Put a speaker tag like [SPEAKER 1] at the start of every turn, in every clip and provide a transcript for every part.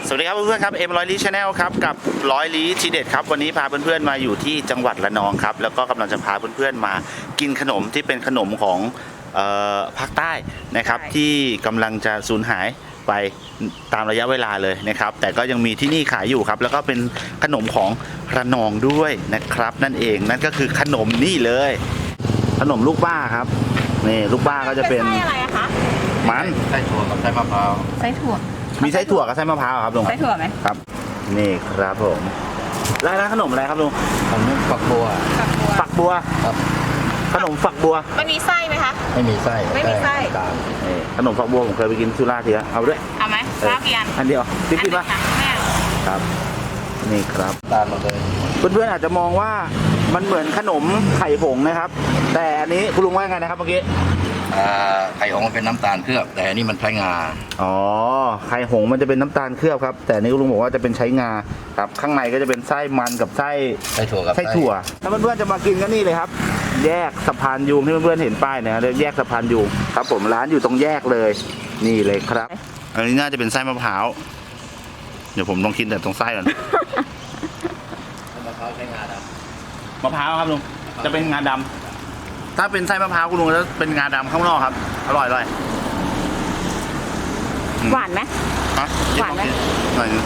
[SPEAKER 1] สวัสดีครับเพื่อนๆครับเอ็มร้อยลี้ชาแนลครับกับร้อยลี้ทีเด็ดครับวันนี้พาเพื่อนๆมาอยู่ที่จังหวัดระนองครับแล้วก็กำลังจะพาเพื่อนๆมากินขนมที่เป็นขนมของภาคใต้นะครับที่กำลังจะสูญหายไปตามระยะเวลาเลยนะครับแต่ก็ยังมีที่นี่ขายอยู่ครับแล้วก็เป็นขนมของระนองด้วยนะครับนั่นเองนั่นก็คือขนมนี่เลยขนมลูกบ้าครับนี่ลูกบ้าก็จะเป็น
[SPEAKER 2] ไส้อะไรอะคะ
[SPEAKER 1] มัน
[SPEAKER 3] ไส้ถั่วกับไส้มะพร้าว
[SPEAKER 2] ไส้ถั่ว
[SPEAKER 1] มีไส้ถั่วกับไส้มะพร้าวครับลุง
[SPEAKER 2] ไส้ถั่วไหม
[SPEAKER 1] ครับนี่ครับผมร้านขนมอะไรครับลุง
[SPEAKER 3] ขนมฝักบัว
[SPEAKER 1] ฝักบัว
[SPEAKER 3] ครับ
[SPEAKER 1] ขนมฝักบัว
[SPEAKER 2] มันมีไส้ไหมคะ
[SPEAKER 3] ไม่มีไส้
[SPEAKER 2] ไม่มีไส้
[SPEAKER 3] ตาม
[SPEAKER 1] นี่ขนมฝักบัวผมเคยไปกินสุราษฎร์ทีแล้วเอาด้วย
[SPEAKER 2] เอาไหมข้าวกี่อัน
[SPEAKER 1] อันเดียวติ๊กติ๊ก
[SPEAKER 2] อั
[SPEAKER 1] ปะ
[SPEAKER 2] นหนึ่งค่ะแม่
[SPEAKER 1] ครับนี่ครับ
[SPEAKER 3] ตามมาเลย
[SPEAKER 1] เพื่อนๆอาจจะมองว่ามันเหมือนขนมไข่ผงนะครับ แต่อันนี้คุณลุงว่าไงนะครับเมื่อกี้
[SPEAKER 3] ไข่ของมันเป็นน้ำตาลเคลือบแต่อันนี้มันใช้งา
[SPEAKER 1] อ๋อไข่หงส์มันจะเป็นน้ำตาลเคลือบครับแต่อันนี้คุณลุงบอกว่าจะเป็นใช้งาครับข้างในก็จะเป็นไส้มันกับไส้
[SPEAKER 3] ไส้ถั่วกับ
[SPEAKER 1] ไส้ถั่วถ้าเพื่อนๆจะมากินก็นี่เลยครับ แยกสะพานยูงที่เพื่อนๆเห็นป้ายเนี่ยเรียกแยกสะพานยูงครับผมร้านอยู่ตรงแยกเลยนี่เลยครับอันนี้น่าจะเป็นไส้มะพร้าวเดี๋ยวผมลองกินแต่ตรงไส้ก่อน
[SPEAKER 3] มะพร้าวใช้งาด
[SPEAKER 1] มะพร้าวครับลุงจะเป็นงาดำถ้าเป็นไส้มะพร้าวคุณลุงจะเป็นงาดำข้างนอกครับอร่อย
[SPEAKER 2] หวานไหม
[SPEAKER 1] ฮะ
[SPEAKER 2] หวานไหม
[SPEAKER 1] หน่อยนึง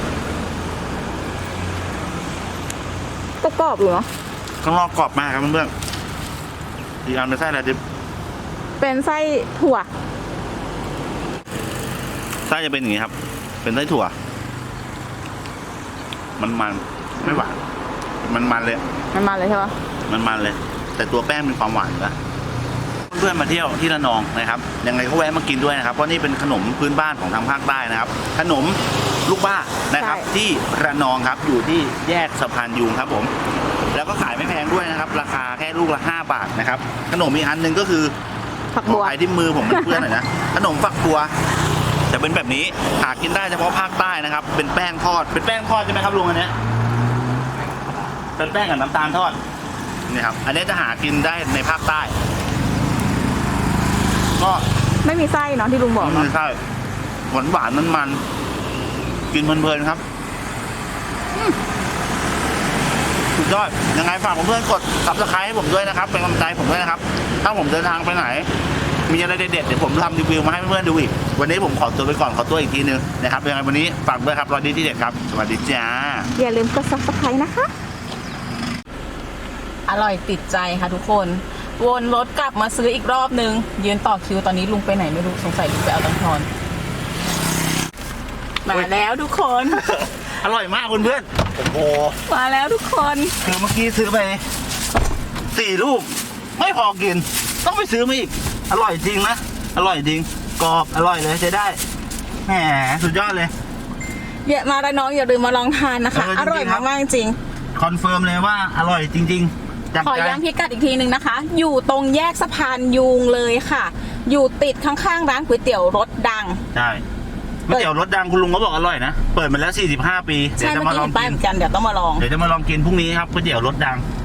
[SPEAKER 2] ก็กรอบอยู่เนาะ
[SPEAKER 1] ข้างนอกกรอบมากครับเพื่อนๆอีกอันเป็นไส้อะไรดิบ
[SPEAKER 2] เป็นไส้ถั่ว
[SPEAKER 1] ไส้จะเป็นอย่างนี้ครับ เป็นไส้ถั่ว มันไม่หวานมันเลย
[SPEAKER 2] มันมาเลยใช่ปะ
[SPEAKER 1] มันเลย แต่ตัวแป้งมีความหวานอยู่นะเพื่อนๆมาเที่ยวที่ระนองนะครับยังไงก็แวะมากินด้วยนะครับเพราะนี่เป็นขนมพื้นบ้านของทางภาคใต้นะครับ ขนมลูกบ้านะครับที่ระนองครับอยู่ที่แยกสะพานยูงครับผมแล้วก็ขายไม่แพงด้วยนะครับราคาแค่ลูกละ5 บาทนะครับขนมอีกอันหนึ่งก็คือ
[SPEAKER 2] ผักบัว
[SPEAKER 1] ขายที่มือผมเพื่อนๆหน่อยนะขนมฝักบัวจะเป็นแบบนี้หากินได้เฉพาะภาคใต้นะครับเป็นแป้งทอดเป็นแป้งทอดใช่ไหมครับลุงอันเนี้ยเป็นแป้งกับน้ำตาลทอดนี่ครับอันนี้จะหากินได้ในภาคใต้ก็
[SPEAKER 2] ไม่มีไส้เนาะที่ลุงบอก
[SPEAKER 1] ไม่
[SPEAKER 2] เนาะ
[SPEAKER 1] ใช่หวานมันกินเพลินๆครับสุดยอดยังไงฝากเพื่อนๆกด Subscribe ให้ผมด้วยนะครับเป็นกำลังใจผมด้วยนะครับถ้าผมเดินทางไปไหนมีอะไรเด็ดๆเดี๋ยวผมทำรีวิวมาให้เพื่อนๆดูอีกวันนี้ผมขอตัวไปก่อนขอตัวอีกทีนึงนะครับยังไงวันนี้ฝากด้วยครับร้อยดีที่เด็ดครับสวัสดีจ้า
[SPEAKER 2] อย่าลืมกด subscribe นะคะ อร่อยติดใจค่ะทุกคนวนรถกลับมาซื้ออีกรอบนึงยืนต่อคิวตอนนี้ลุงไปไหนไม่รู้สงสัยลุงไปเอาตังค์ทอนมาแล้วทุกคน
[SPEAKER 1] อร่อยมากเพื่อนๆโอ้โห
[SPEAKER 2] มาแล้วทุกคน
[SPEAKER 1] คือเมื่อกี้ซื้อไป4 ลูกไม่พอกินต้องไปซื้อมาอีกอร่อยจริงนะอร่อยจริงกรอบอร่อยเลยใช้ได้แหมสุดยอดเลย
[SPEAKER 2] อย่ามาระนองอย่าลืมมาลองทานนะคะ
[SPEAKER 1] จริงๆ
[SPEAKER 2] อร่อย
[SPEAKER 1] ครับ
[SPEAKER 2] มากๆจริง
[SPEAKER 1] คอนเฟิร์มเลยว่าอร่อยจริงๆจาก
[SPEAKER 2] ขอ
[SPEAKER 1] ใจ
[SPEAKER 2] ย้ำพิกัดอีกทีหนึ่งนะคะ อยู่ตรงแยกสะพานยูงเลยค่ะ อยู่ติดข้างๆร้านก๋วยเตี๋ยวรสดัง
[SPEAKER 1] ใช่ก๋วยเตี๋ยวรสดังคุณลุงก็บอกอร่อยนะเปิดมาแล้ว45 ปี
[SPEAKER 2] ใช่
[SPEAKER 1] เดี๋ยวจะ
[SPEAKER 2] เมื่อ
[SPEAKER 1] มาล
[SPEAKER 2] กี้
[SPEAKER 1] อง
[SPEAKER 2] เห็นป้าย
[SPEAKER 1] กิน
[SPEAKER 2] เหมือนกันเดี๋ยวต้องมาลอง
[SPEAKER 1] เดี๋ยวจะมาลองกินพรุ่งนี้ครับก๋วยเตี๋ยวรสดัง